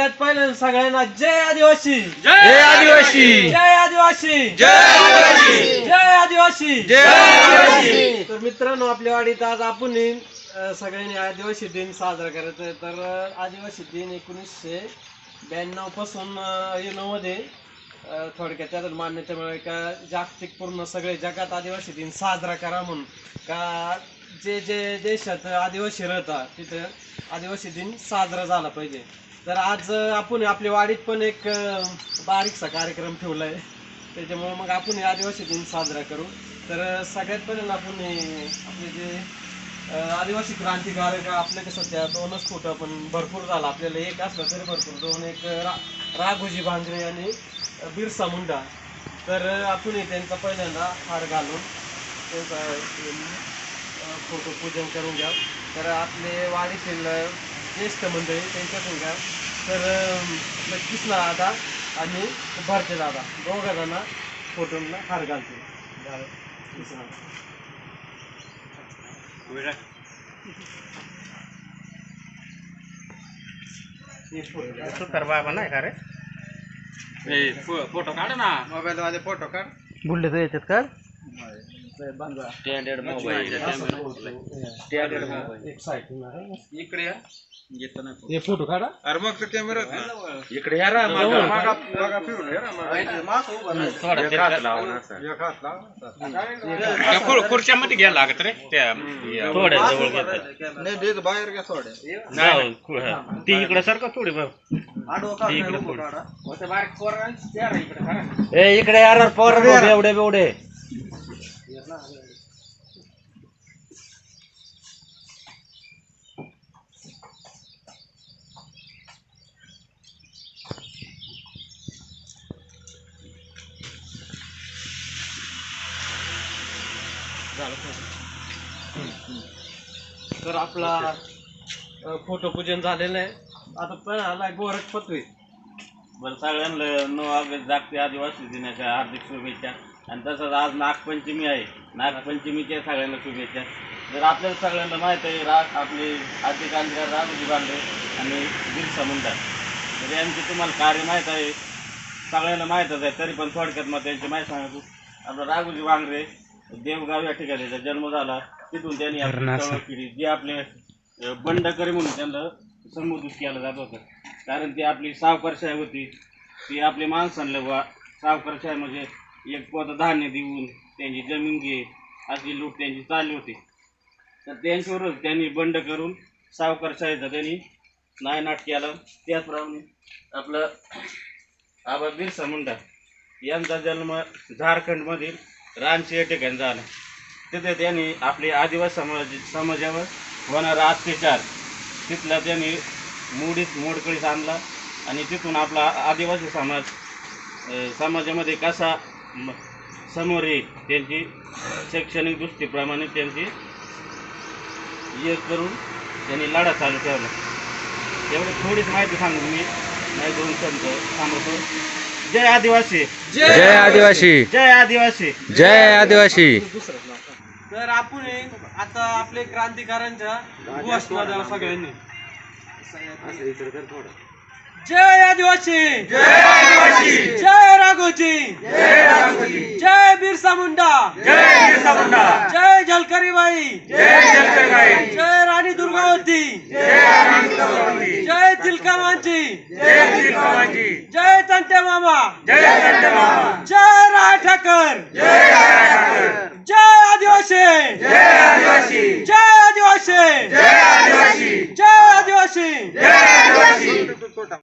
सगळ्यात पहिले सगळ्यांना जय आदिवासी, जय आदिवासी, जय आदिवासी, जय आदिवासी, जय आदिवासी, जय आदिवासी. तर मित्रांनो, आपल्या वाडीत आज आपण सगळ्यांनी आदिवासी दिन साजरा करायचा आहे. तर आदिवासी दिन 1992 पासून मध्ये थोडक्यात त्यात मान्यता मिळाली का जागतिक पूर्ण सगळे जगात आदिवासी दिन साजरा करा म्हणून, का जे जे देशात आदिवासी राहतात तिथं आदिवासी दिन साजरा झाला पाहिजे. तर आज आपण आपल्या वाडीत पण एक बारीकसा कार्यक्रम ठेवला आहे, त्याच्यामुळे मग आपण आदिवासी दिन साजरा करू. तर सगळ्यात पहिल्यांदा आपण आपले जे आदिवासी क्रांतिकारक आपले कसं सध्या 2च फुटं पण भरपूर झाला, आपल्याला एक असलं तरी भरपूर 2, एक राघोजी भांगरे आणि बिरसा मुंडा. तर आपण त्यांचा पहिल्यांदा हार घालून त्यांचा फोटो पूजन करून घ्या. तर आपले वाडीतील ज्येष्ठ मंडळी त्यांच्यातून घ्या. तर कृष्णा दादा आणि भरते दादा दोघा जण फोटोला हार घालते. बाबा नाही का रे? फोटो काढ ना, मोबाईल मध्ये फोटो काढ. बुलढे तर येतात का? Standard mobile, standard mobile. इकडे या, येतो ना हे फोटो काढा. अरे मग तो कॅमेरा इकडे या रा. मागा फिरून या रा. थोडं खुर्च्यामध्ये घ्यायला लागत रे, त्या थोड्या जवळ घेतात. नाही बाहेर घ्या थोड्या. नाही ती इकडे सारखं थोडी इकडे यार पोर एवढे बेवढे. तर आपला फोटो पूजन झालेलं आहे. आता पण आला गोरख पतवी. बरं, सगळ्यांना जागतिक आदिवासी दिनाच्या हार्दिक शुभेच्छा. आणि तसंच आज नागपंचमी आहे, नागपंचमीच्या सगळ्यांना शुभेच्छा. जर आपल्याला सगळ्यांना माहीत आहे आपले आदिक्रांतिकार राघोजी भांगरे आणि बिरसा मुंडा, तर यांचे तुम्हाला कार्य माहीत आहे, सगळ्यांना माहीतच आहे. तरी पण थोडक्यात मग त्यांची माहिती सांगतो. आपला राघोजी भांगरे देवगाव या ठिकाणी त्याचा जन्म झाला. तिथून त्यांनी आपली चळवळ केली. जे आपले बंडकरी म्हणून त्यांना संबोधित केलं जात होतं, कारण ती आपली सावकारशाही होती. ती आपली माणसांना सावकारशाही म्हणजे एक पोतं धान्य देऊन त्यांची जमीन घे अशी लूट त्यांची चालली होती. तर त्यांच्यावरच त्यांनी बंड करून सावकारशाहीचा त्यांनी नायनाट केला. त्याचप्रमाणे आपलं आबा बिरसा मुंडा यांचा जन्म झारखंडमधील रांची या ठिकाणी झाला. तिथे त्यांनी आपले आदिवासी समाजावर होणारा अत्याचार तिथला त्यांनी मोडकळीस आणला. आणि तिथून आपला आदिवासी समाजामध्ये कसा समोर येईल त्यांची शैक्षणिक दृष्टीप्रमाणे त्यांची हे करून त्यांनी लढा चालू ठेवला. एवढी थोडीच माहिती सांगून मी नाही 2 शब्द थांबवतो. जय आदिवासी, जय आदिवासी, जय आदिवासी, जय आदिवासी. तर आपण आता आपले क्रांतिकारांच्या घोषणा द्या सगळ्यांनी. जय आदिवासी, जय आदिवासी, जय राघोजी, जय राघोजी, जय बिरसा मुंडा, जय बिरसा मुंडा, जय झलकरीबाई, जय जलकरबाई, जय राणी दुर्गावती, जय राणी दुर्गावती, जय तिलकामांची, जय तिलकामांची, जय तंटे मामा, जय कंठमामा, जय राय ठाकर, जय राय ठाकर, जय आदिवासी, जय आदिवासी, जय आदिवासी, जय आदिवासी, जय आदिवासी, जय आदिवासी.